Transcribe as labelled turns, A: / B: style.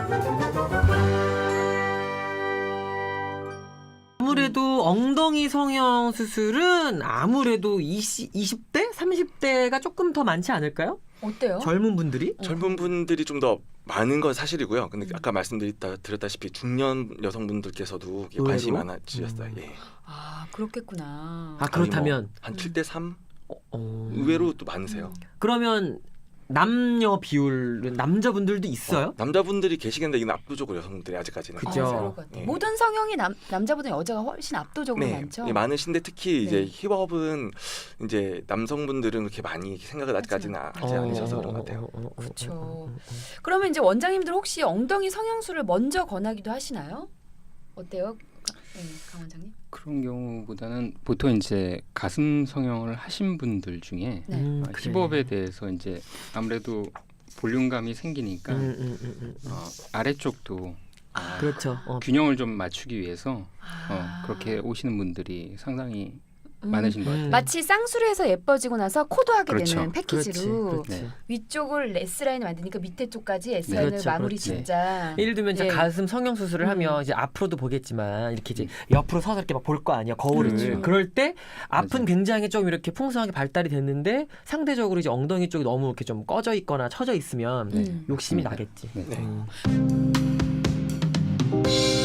A: 아무래도 엉덩이 성형 수술은 아무래도 20대? 30대가 조금 더 많지 않을까요?
B: 어때요?
A: 젊은 분들이?
C: 젊은 분들이 좀 더 많은 건 사실이고요. 근데 아까 말씀드렸다시피 중년 여성분들께서도 이게 관심이
A: 의외로?
C: 많아지셨어요. 예.
B: 아 그렇겠구나.
A: 아 그렇다면
C: 한 7대 3
A: 어.
C: 의외로 또 많으세요.
A: 그러면 남녀 비율은 남자분들도 있어요?
C: 남자분들이 계시겠는데 이건 압도적으로 여성분들이 아직까지는.
A: 그죠.
B: 그럴 것 같아요.
C: 예.
B: 모든 성형이 남자보다 여자가 훨씬 압도적으로
C: 네,
B: 많죠.
C: 예, 많으신데 특히 이제
B: 네.
C: 힙업은 이제 남성분들은 그렇게 많이 생각을 아직까지는 하지 않으셔서 그런 것 같아요.
B: 그렇죠. 그러면 이제 원장님들 혹시 엉덩이 성형술을 먼저 권하기도 하시나요? 어때요, 강 원장님?
D: 그런 경우보다는 보통 이제 가슴 성형을 하신 분들 중에
B: 네.
A: 그래.
D: 힙업에 대해서 이제 아무래도 볼륨감이 생기니까 아래쪽도
A: 그렇죠.
D: 균형을 좀 맞추기 위해서
B: 아.
D: 그렇게 오시는 분들이 상당히 많으신 것 같아요.
B: 마치 쌍수리에서 예뻐지고 나서 코도 하게
D: 그렇죠.
B: 되는 패키지로
A: 그렇지.
D: 네.
B: 위쪽을 S라인을 만드니까 밑에 쪽까지 S라인을
A: 그렇죠,
B: 마무리
A: 그렇지.
B: 진짜.
A: 예를 들면 이제
B: 예.
A: 가슴 성형 수술을 하면 이제 앞으로도 보겠지만 이렇게 이제 옆으로 서서 이렇게 막 볼 거 아니야 거울을.
B: 그렇죠.
A: 그럴 때 앞은
D: 맞아요.
A: 굉장히 좀 이렇게 풍성하게 발달이 됐는데 상대적으로 이제 엉덩이 쪽이 너무 이렇게 좀 꺼져 있거나 처져 있으면
B: 음.
A: 욕심이
D: 맞습니다.
A: 나겠지.
D: 네.
A: 음.